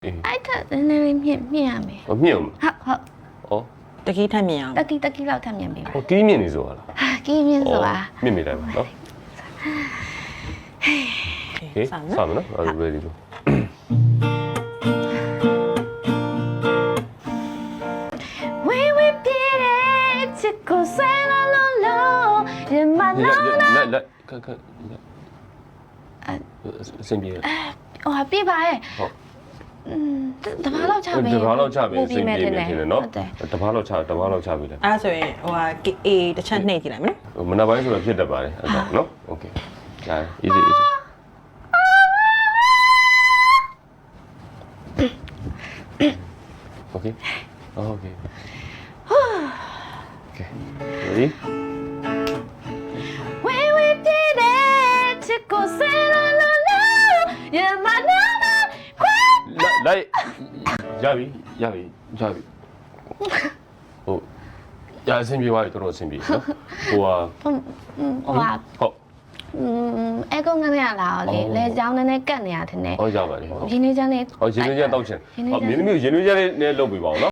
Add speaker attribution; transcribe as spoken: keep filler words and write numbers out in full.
Speaker 1: အဲ့ထက်နည်းနည်းလေးမြင့်မြင့်ရမယ်
Speaker 2: ဟောမြင့်အောင်
Speaker 1: ဟုတ်ဟုတ်
Speaker 2: ဩ
Speaker 3: တကြီးထက်မြင်အောင်
Speaker 1: တက်ကီတက်ကီလောက်ထပ်မြင့်ပြီ
Speaker 2: ဟောကီးမြင့်နေဆိုတာလား
Speaker 1: ဟာကီးမြင့်ဆိုတာ
Speaker 2: မြင့်မိတိုင်းပါနော်ဟေး
Speaker 3: စမ်း
Speaker 2: စ
Speaker 3: နော်
Speaker 2: မ်းနော်အဲ့ဒါ ready လို့
Speaker 1: ဝေးဝေးပြေးတဲ့ချစ်ကိုဆွဲလာလို့လို့ရမနာ
Speaker 2: လက်လက်ခက်ခက်လက်အစင်ပြေ
Speaker 1: ဟိုပြေးပါရဲ့
Speaker 2: ဟုတ်
Speaker 1: อืมတဘာလောက်ချပဲ
Speaker 2: တဘာလောက်ချပြီ
Speaker 1: ပို့
Speaker 2: အစင်ပြေ
Speaker 1: တယ်
Speaker 2: နေတယ်နော်
Speaker 1: ဟုတ်တယ်
Speaker 2: တဘာလောက်ချတဘာလောက်ချပြီလေ
Speaker 3: အဲ့ဒါဆိုရင်ဟိုဟာအေးတစ်ချက်နှိပ်ကြည့်လိုက်မယ်နော်
Speaker 2: မနက်ပိုင်းဆိုတော့ဖြစ်တတ်ပါတယ်အဲ့ဒါနော် okay ဒါ easy easy okay okay okay ready
Speaker 1: ဝေးဝေးပြေးတဲ့ချစ်ကိုဆွဲလာလို့လို့ရမနာခွဲ
Speaker 2: လိုက်ရပြီရပြီရပြီဟုတ်ရအဆင်ပြေသွားပြီတော်တော်အဆင်ပြေနော်ဟိုဟာ
Speaker 1: ဟိုဟာ
Speaker 2: ဟုတ်
Speaker 1: อืมအဲကုန်းကနေရလာတော့လေလေချောင်းနည်းနည်းကတ်နေရတဲ့နဲ့
Speaker 2: ဟောရပါတယ်ဟုတ်
Speaker 1: ရင်းနေချမ်းလေး
Speaker 2: ဟောရင်သွေးချက်တောက်ချင်ဟောမင်းသမီးကိုရင်သွေးချက်လေးနဲ့လုပ်ပေးပါဦးနော်